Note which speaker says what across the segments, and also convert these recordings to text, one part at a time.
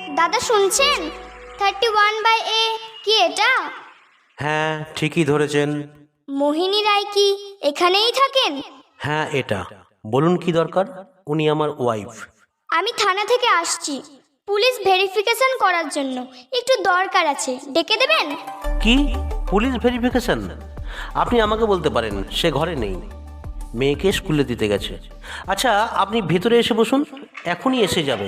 Speaker 1: দাদা শুনছেন? 31/A কি এটা?
Speaker 2: হ্যাঁ, ঠিকই ধরেছেন।
Speaker 1: মোহিনী রায় কি এখানেই থাকেন?
Speaker 2: হ্যাঁ, এটা। বলুন কি দরকার? উনি আমার ওয়াইফ।
Speaker 1: আমি থানা থেকে আসছি পুলিশ ভেরিফিকেশন করার জন্য, একটু দরকার আছে, ডেকে দেবেন?
Speaker 2: কি পুলিশ ভেরিফিকেশন? আপনি আমাকে বলতে পারেন, সে ঘরে নেই, মেয়েকে স্কুলে দিতে গেছে। আচ্ছা, আপনি ভেতরে এসে বসুন, এখনই এসে যাবে।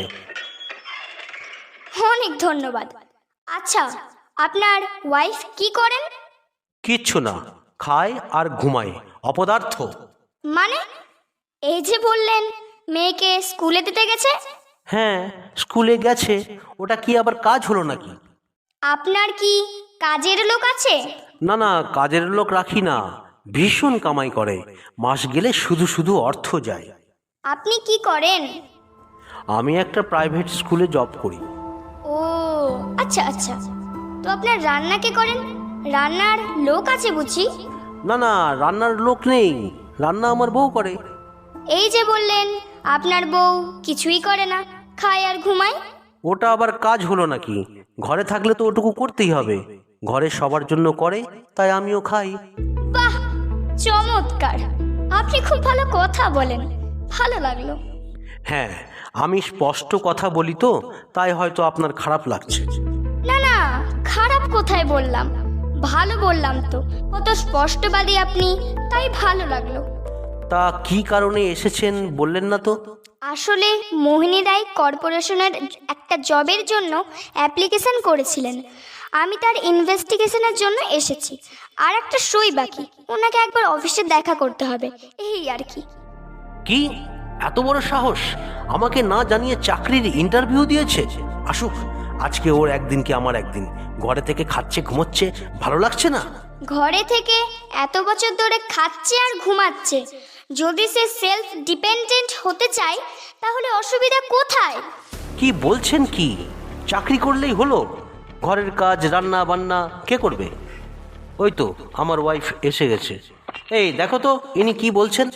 Speaker 1: অনেক ধন্যবাদ। আচ্ছা, আপনার ওয়াইফ কি করেন?
Speaker 2: কিচ্ছু না, খায় আর ঘুমায়, অপদার্থ।
Speaker 1: মানে এই যে বললেন মেয়েকে স্কুলে দিতে গেছে?
Speaker 2: হ্যাঁ, স্কুলে গেছে, ওটা কি আবার কাজ হলো নাকি?
Speaker 1: আপনার কি কাজের লোক আছে?
Speaker 2: না না, কাজের লোক রাখি না, ভীষণ কামাই করে, মাস গেলে শুধু শুধু অর্থ যায়।
Speaker 1: আপনি কি করেন?
Speaker 2: আমি একটা প্রাইভেট স্কুলে জব করি।
Speaker 1: ও আচ্ছা আচ্ছা, তো আপনার রান্না কে করেন? রান্নার লোক আছে বুঝি?
Speaker 2: না না, রান্নার লোক নেই, রান্না আমার বউ করে।
Speaker 1: এই যে বললেন আপনার বউ কিছুই করে না, খায় আর ঘুমায়।
Speaker 2: ওটা আবার কাজ হলো নাকি? ঘরে থাকলে তো ওটুকু করতেই হবে, ঘরে সবার জন্য করে, তাই আমিও খাই।
Speaker 1: বাহ, চমৎকার! আপনি খুব ভালো কথা বলেন, ভালো লাগলো।
Speaker 2: হ্যাঁ, আমি স্পষ্ট কথা বলি তো, তাই হয়তো আপনার খারাপ লাগছে।
Speaker 1: না না, খারাপ কোথায় বললাম, ভালো বললাম তো। কত স্পষ্টবাদী আপনি, তাই ভালো লাগলো।
Speaker 2: তা কি কারণে এসেছেন বললেন না তো?
Speaker 1: আসলে মোহিনী রায় কর্পোরেশনের একটা জবের জন্য অ্যাপ্লিকেশন করেছিলেন, আমি তার ইনভেস্টিগেশনের জন্য এসেছি। আর একটা সই বাকি, ওনাকে একবার অফিসে দেখা করতে হবে, এই আর কি।
Speaker 2: কি এত বড় সাহস, আমাকে না জানিয়ে চাকরির ইন্টারভিউ দিয়েছে? আসুক, আজকে ওর একদিন কি আমার একদিন। ঘরে থেকে খাচ্ছে ঘুমোচ্ছে, ভালো লাগছে না।
Speaker 1: ঘরে থেকে এত বছর ধরে খাচ্ছে আর ঘুমাচ্ছে, যদি সে সেলফ ডিপেন্ডেন্ট হতে চায় তাহলে অসুবিধা কোথায়?
Speaker 2: কি বলছেন কি? চাকরি করলেই হলো? ঘরের কাজ রান্না বান্না কে করবে? ওই তো আমার ওয়াইফ এসে গেছে। এই দেখো তো ইনি কি বলছেন।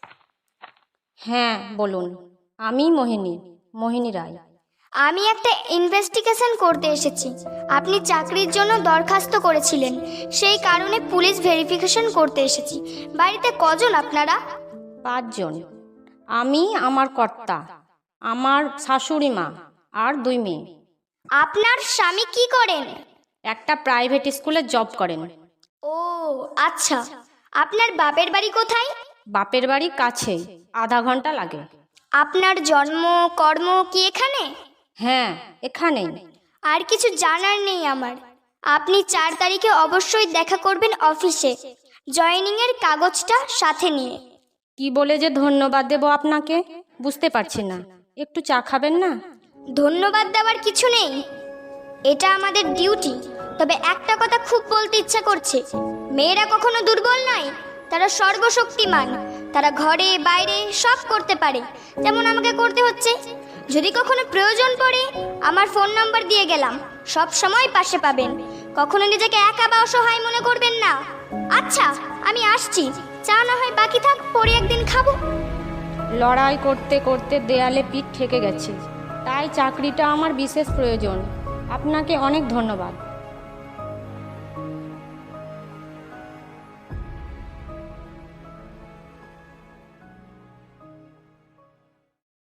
Speaker 3: হ্যাঁ বলুন, আমি মোহিনী রায়।
Speaker 1: আমি একটা ইনভেস্টিগেশন করতে এসেছি। আপনি চাকরির জন্য দরখাস্ত করেছিলেন, সেই কারণে পুলিশ ভেরিফিকেশন করতে এসেছি। বাড়িতে কজন আপনারা?
Speaker 3: 5 জন। আমি, আমার কর্তা, আমার শাশুড়ি মা আর 2 মেয়ে।
Speaker 1: আপনার স্বামী কি করেন?
Speaker 3: একটা প্রাইভেট স্কুলে জব করেন।
Speaker 1: ও আচ্ছা, আপনার বাপের বাড়ি কোথায়?
Speaker 3: বাপের বাড়ি কাছে, আধা ঘন্টা লাগে।
Speaker 1: আপনার জন্ম কর্ম কি এখানে?
Speaker 3: হ্যাঁ, এখানেই।
Speaker 1: আর কিছু জানার নেই আমার। আপনি 4 তারিখে অবশ্যই দেখা করবেন অফিসে, জয়েনিংয়ের কাগজটা সাথে নিয়ে।
Speaker 3: কি বলে যে ধন্যবাদ দেব আপনাকে বুঝতে পারছি না, একটু চা খাবেন না?
Speaker 1: ধন্যবাদ দেওয়ার কিছু নেই, এটা আমাদের ডিউটি। তবে একটা কথা খুব বলতে ইচ্ছা করছে, মেয়েরা কখনো দুর্বল নয়, তারা সর্বশক্তিমান। তারা ঘরে বাইরে সব করতে পারে, যেমন আমাকে করতে হচ্ছে। যদি কখনো প্রয়োজন পড়ে আমার ফোন নাম্বার দিয়ে গেলাম, সব সময় পাশে পাবেন। কখনো নিজেকে একা বা অসহায় মনে করবেন না। আচ্ছা, আমি আসছি, চা না হয় বাকি থাক, পরে একদিন খাবো।
Speaker 3: লড়াই করতে করতে দেয়ালে পিঠ ঠেকে গেছে, তাই চাকরিটা আমার বিশেষ প্রয়োজন। আপনাকে অনেক ধন্যবাদ।